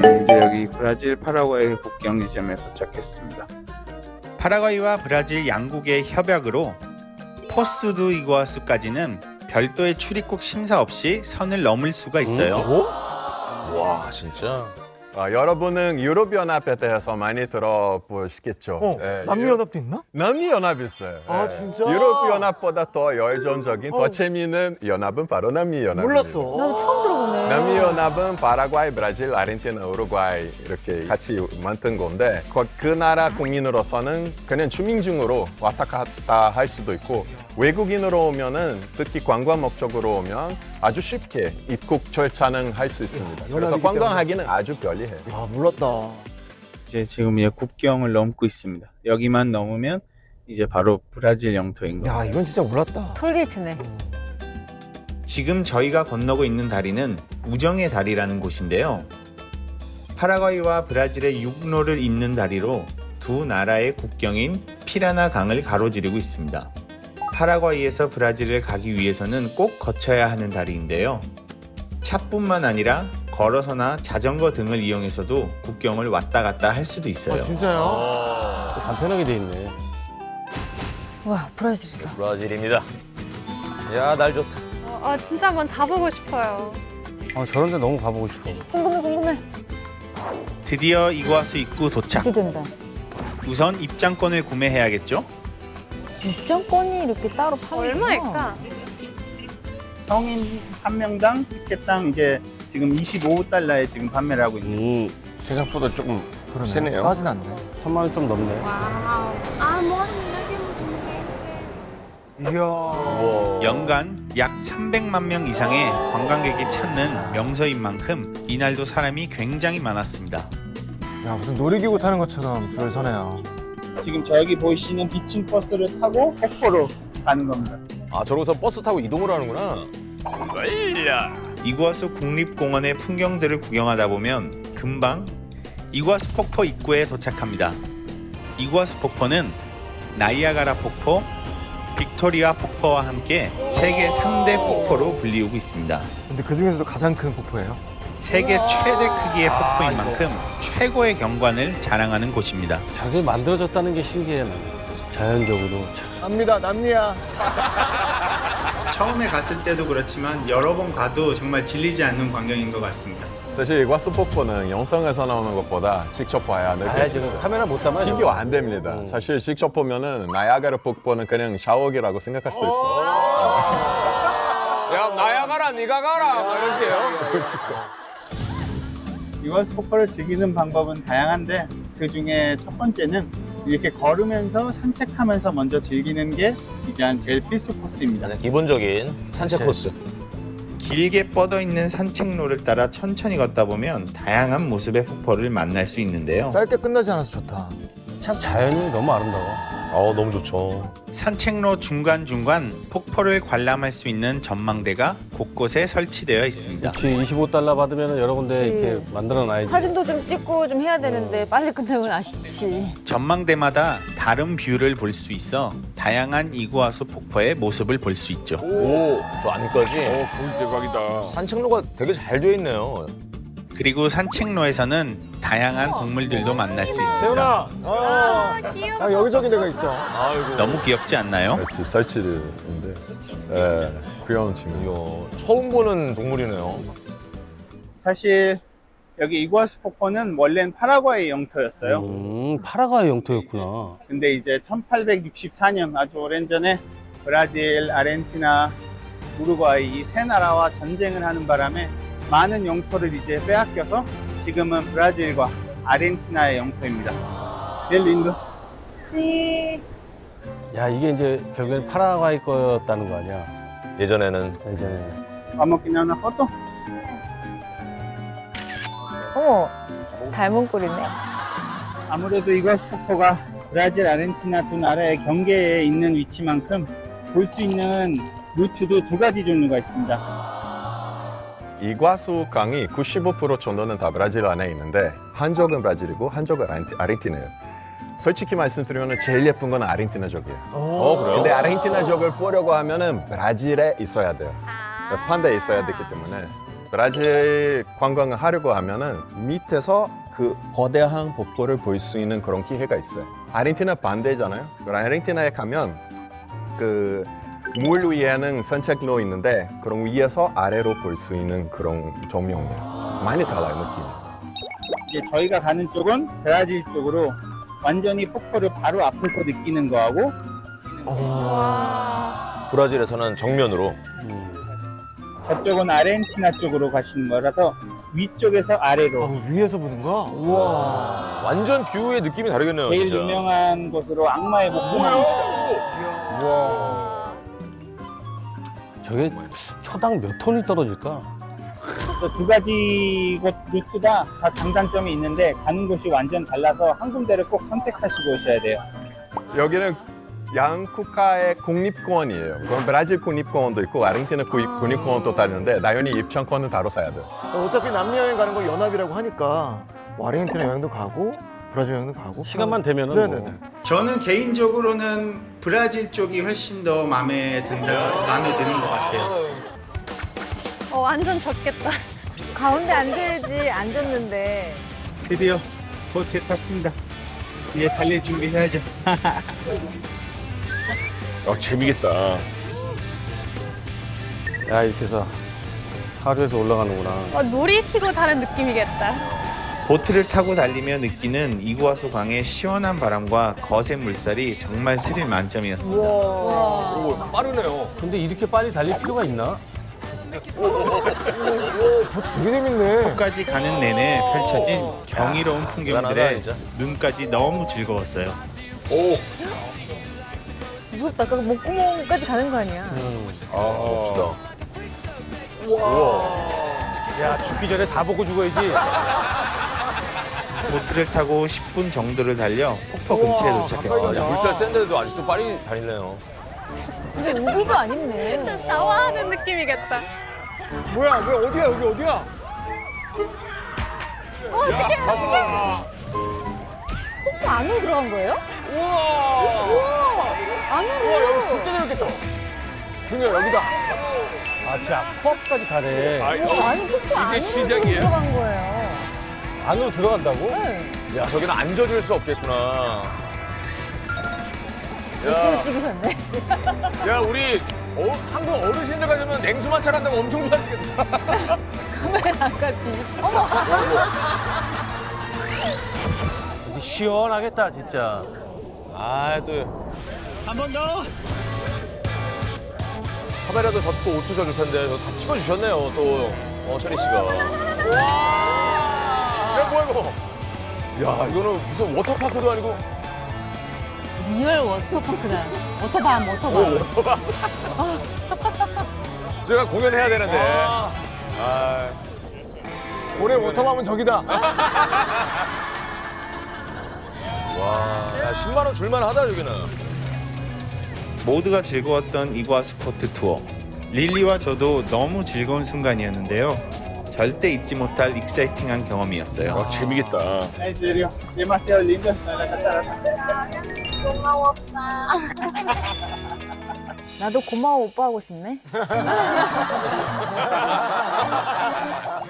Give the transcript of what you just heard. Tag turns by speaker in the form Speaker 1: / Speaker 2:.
Speaker 1: 저는 이제 여기 브라질 파라과이 국경 지점에 도착했습니다. 파라과이와 브라질 양국의 협약으로 포스 두 이구아수까지는 별도의 출입국 심사 없이 선을 넘을 수가 있어요.
Speaker 2: 와 진짜.
Speaker 3: 여러분은 유럽연합에 대해서 많이 들어보시겠죠? 예,
Speaker 4: 남미연합도 있나?
Speaker 3: 남미연합이 있어요.
Speaker 4: 아,
Speaker 3: 예.
Speaker 4: 진짜?
Speaker 3: 유럽연합보다 더 열정적인, 더 재미있는 연합은 바로 남미연합입니다.
Speaker 4: 몰랐어.
Speaker 5: 나도 처음 들어보네.
Speaker 3: 남미연합은 파라과이, 브라질, 아르헨티나, 우루과이 이렇게 같이 만든 건데 그 나라 국민으로서는 그냥 주민증으로 왔다 갔다 할 수도 있고 외국인으로 오면은 특히 관광 목적으로 오면 아주 쉽게 입국 절차는 할 수 있습니다. 그래서
Speaker 4: 연합이기
Speaker 3: 관광하기는 아주 편리해요.
Speaker 4: 아, 몰랐다.
Speaker 1: 이제 지금 이제 국경을 넘고 있습니다. 여기만 넘으면 이제 바로 브라질 영토인 거예요.
Speaker 4: 야, 이건 진짜 몰랐다.
Speaker 5: 톨게이트네.
Speaker 1: 지금 저희가 건너고 있는 다리는 우정의 다리라는 곳인데요. 파라과이와 브라질의 육로를 잇는 다리로 두 나라의 국경인 피라나 강을 가로지르고 있습니다. 파라과이에서 브라질을 가기 위해서는 꼭 거쳐야 하는 다리인데요. 차뿐만 아니라 걸어서나 자전거 등을 이용해서도 국경을 왔다 갔다 할 수도 있어요.
Speaker 4: 진짜요?
Speaker 6: 간편하게 돼 있네.
Speaker 5: 와, 브라질이다.
Speaker 2: 브라질입니다. 야 날 좋다.
Speaker 7: 진짜 한번 다 보고 싶어요.
Speaker 6: 저런 데 너무 가보고 싶어.
Speaker 5: 궁금해.
Speaker 1: 드디어 이구아수 입구 도착.
Speaker 5: 기대된다.
Speaker 1: 우선 입장권을 구매해야겠죠?
Speaker 5: 입장권이 이렇게 따로 파는
Speaker 7: 얼마일까?
Speaker 1: 성인 한 명당 티켓당 이제 지금 25달러에 지금 판매를 하고 있는.
Speaker 6: 생각보다 조금
Speaker 4: 그러네.
Speaker 6: 세네요.
Speaker 4: 싸진 않네.
Speaker 6: 3만 원 좀 넘네.
Speaker 7: 와우.
Speaker 4: 이야.
Speaker 1: 연간 약 300만 명 이상의 관광객이 찾는 명소인 만큼 이날도 사람이 굉장히 많았습니다.
Speaker 4: 야, 무슨 놀이기구 타는 것처럼 줄 서네요.
Speaker 1: 지금 저기 보이시는 비칭 버스를 타고 폭포로 가는 겁니다.
Speaker 2: 아 저러고서 버스 타고 이동을 하는구나.
Speaker 1: 이구아수 국립공원의 풍경들을 구경하다 보면 금방 이구아수 폭포 입구에 도착합니다. 이구아수 폭포는 나이아가라 폭포, 빅토리아 폭포와 함께 세계 3대 폭포로 불리우고 있습니다.
Speaker 4: 근데 그 중에서도 가장 큰 폭포예요?
Speaker 1: 세계 최대 크기의 폭포인 만큼 최고의 경관을 자랑하는 곳입니다.
Speaker 6: 저게 만들어졌다는 게 신기해. 난. 자연적으로. 참.
Speaker 4: 남미다, 남미야.
Speaker 1: 처음에 갔을 때도 그렇지만 여러 번 가도 정말 질리지 않는 광경인 것 같습니다.
Speaker 3: 사실 이과수 폭포는 영상에서 나오는 것보다 직접 봐야 느낄 수 있어요.
Speaker 6: 카메라 못 담아요.
Speaker 3: 비교 안 됩니다. 사실 직접 보면은 나야가라 폭포는 그냥 샤워기라고 생각할 수도 있어요.
Speaker 2: 야 나야 가라 네가 가라 막 이러세요.
Speaker 1: 이과수 폭포를 즐기는 방법은 다양한데 그 중에 첫 번째는 이렇게 걸으면서 산책하면서 먼저 즐기는 게 일단 제일 필수 코스입니다.
Speaker 2: 기본적인 산책 코스.
Speaker 1: 길게 뻗어 있는 산책로를 따라 천천히 걷다 보면 다양한 모습의 폭포를 만날 수 있는데요.
Speaker 4: 짧게 끝나지 않아서 좋다.
Speaker 6: 참 자연이 너무 아름다워.
Speaker 2: 너무 좋죠.
Speaker 1: 산책로 중간중간 폭포를 관람할 수 있는 전망대가 곳곳에 설치되어 있습니다.
Speaker 6: 그렇지. 25달러 받으면 여러 군데
Speaker 5: 그치.
Speaker 6: 이렇게 만들어 놔야지.
Speaker 5: 사진도 좀 찍고 좀 해야 되는데 빨리 끝내면 아쉽지.
Speaker 1: 전망대마다 다른 뷰를 볼 수 있어 다양한 이구아수 폭포의 모습을 볼 수 있죠.
Speaker 2: 오저 안까지.
Speaker 6: 거기 대박이다.
Speaker 2: 산책로가 되게 잘 되어 있네요.
Speaker 1: 그리고 산책로에서는 다양한 동물들도 만날 수 있습니다.
Speaker 4: 세훈아.
Speaker 7: 귀여워.
Speaker 4: 아, 여기저기 내가 있어.
Speaker 2: 아이고.
Speaker 1: 너무 귀엽지 않나요?
Speaker 3: 같이 설치되는데 귀여운 친구.
Speaker 2: 이야, 처음 보는 동물이네요.
Speaker 1: 사실 여기 이구아수 폭포는 원래는 파라과이 영토였어요.
Speaker 6: 파라과이 영토였구나.
Speaker 1: 근데 이제 1864년 아주 오랜 전에 브라질, 아르헨티나, 우루과이 이 세 나라와 전쟁을 하는 바람에 많은 영토를 이제 빼앗겨서 지금은 브라질과 아르헨티나의 영토입니다. 제일 린도.
Speaker 6: 야, 이게 이제 결국엔 파라과이 거였다는 거 아니야?
Speaker 2: 예전에는
Speaker 6: 예전에.
Speaker 1: Vamos que una foto.
Speaker 5: 어머, 닮은 꼴이네.
Speaker 1: 아무래도 이과수 폭포가 브라질, 아르헨티나 두 나라의 경계에 있는 위치만큼 볼 수 있는 루트도 두 가지 종류가 있습니다.
Speaker 3: 이과수 강이 95% 정도는 다 브라질 안에 있는데 한쪽은 브라질이고 한쪽은 아르헨티나예요. 솔직히 말씀드리면 제일 예쁜 건 아르헨티나족이에요.
Speaker 2: 그래요?
Speaker 3: 근데 아르헨티나족을 보려고 하면은 브라질에 있어야 돼요. 판대에 있어야 되기 때문에 브라질 관광을 하려고 하면은 밑에서 그 거대한 폭포를 볼 수 있는 그런 기회가 있어요. 아르헨티나 반대잖아요. 아르헨티나에 가면 그 물 위에는 산책로 있는데 그런 위에서 아래로 볼 수 있는 그런 조명이에요. 많이 달라요, 느낌이.
Speaker 8: 이제 저희가 가는 쪽은 브라질 쪽으로 완전히 폭포를 바로 앞에서 느끼는 거하고
Speaker 2: 브라질에서는 정면으로.
Speaker 8: 저쪽은 아르헨티나 쪽으로 가시는 거라서 위쪽에서 아래로
Speaker 4: 위에서 보는 거? 우와.
Speaker 2: 완전 뷰의 느낌이 다르겠네요,
Speaker 8: 제일
Speaker 2: 진짜.
Speaker 8: 유명한 곳으로 악마의 목공항이 있어요.
Speaker 6: 저게 초당 몇 톤이 떨어질까?
Speaker 8: 그래서 두 가지 곳 루트가 다 장단점이 있는데 가는 곳이 완전 달라서 한 군데를 꼭 선택하시고 오셔야 돼요.
Speaker 3: 여기는 양 국가의 국립공원이에요. 그럼 브라질 국립공원도 있고 아르헨티나 국립공원도 다른데 당연히 입장권은 따로 사야 돼요.
Speaker 4: 어차피 남미 여행 가는 거 연합이라고 하니까 뭐 아르헨티나 여행도 가고 브라질 여행도 가고.
Speaker 6: 시간만 되면은
Speaker 4: 네네네.
Speaker 6: 뭐.
Speaker 1: 저는 개인적으로는 브라질 쪽이 훨씬 더 마음에 드는 것 같아요.
Speaker 7: 완전 젖겠다.
Speaker 5: 가운데 앉아야지 앉았는데.
Speaker 8: 드디어 보트에 탔습니다. 이제 달릴 준비해야죠.
Speaker 2: 재미겠다.
Speaker 6: 야, 이렇게 해서 하루에서 올라가는구나.
Speaker 7: 놀이기구 타는 느낌이겠다.
Speaker 1: 보트를 타고 달리며 느끼는 이구아수 강의 시원한 바람과 거센 물살이 정말 스릴 만점이었습니다.
Speaker 2: 오, 빠르네요.
Speaker 6: 근데 이렇게 빨리 달릴 필요가 있나?
Speaker 4: 되게 재밌네.
Speaker 1: 끝까지 가는 내내 펼쳐진 경이로운
Speaker 2: 대단하다,
Speaker 1: 풍경들에
Speaker 2: 진짜.
Speaker 1: 눈까지 너무 즐거웠어요.
Speaker 2: 오,
Speaker 5: 무섭다. 그 목구멍까지 가는 거 아니야.
Speaker 2: 멋지다.
Speaker 4: 야, 죽기 전에 다 보고 죽어야지.
Speaker 1: 보트를 타고 10분 정도를 달려 폭포 근처에 도착했습니다.
Speaker 2: 물살 센데도 아직도 빨리 다니네요.
Speaker 5: 근데 우비도 안 입네.
Speaker 7: 진짜 샤워하는 느낌이겠다.
Speaker 4: 뭐야, 왜 어디야, 여기 어디야?
Speaker 5: 폭포 안으로 들어간 거예요?
Speaker 4: 우와.
Speaker 5: 안으로.
Speaker 4: 여기 진짜 재밌겠다. 준여, 여기다.
Speaker 6: 아, 진짜 코앞까지 가네.
Speaker 5: 아니 폭포 안으로
Speaker 2: 시작이에요?
Speaker 5: 들어간 거예요.
Speaker 6: 안으로 들어간다고?
Speaker 5: 네.
Speaker 2: 야, 저기는 앉아줄 수 없겠구나.
Speaker 5: 열심히 찍으셨네.
Speaker 2: 야, 우리 한국 어르신들 가려면 냉수 마찰한다고 엄청 좋아하시겠다.
Speaker 5: 카메라가 뒤집어. 어머.
Speaker 6: 여기 시원하겠다, 진짜.
Speaker 2: 아, 또. 한 번 더. 카메라도 젖고 옷도 젖을 텐데 다 찍어주셨네요, 또. 철희 씨가. 야, 뭐야, 이거. 야, 이거는 무슨 워터파크도 아니고.
Speaker 5: 리얼 워터파크다. 워터밤.
Speaker 2: 워터밤. 제가 공연해야 되는데. 아.
Speaker 4: 올해 워터밤은 저기다.
Speaker 2: 와, 야, 10만 원 줄만 하다, 여기는.
Speaker 1: 모두가 즐거웠던 이구아수 포트 투어. 릴리와 저도 너무 즐거운 순간이었는데요. 절대 잊지 못할 익사이팅한 경험이었어요.
Speaker 2: 재미겠다.
Speaker 8: En serio, demasiado lindo.
Speaker 7: 고마워, 오빠.
Speaker 5: 나도 고마워 오빠 하고 싶네.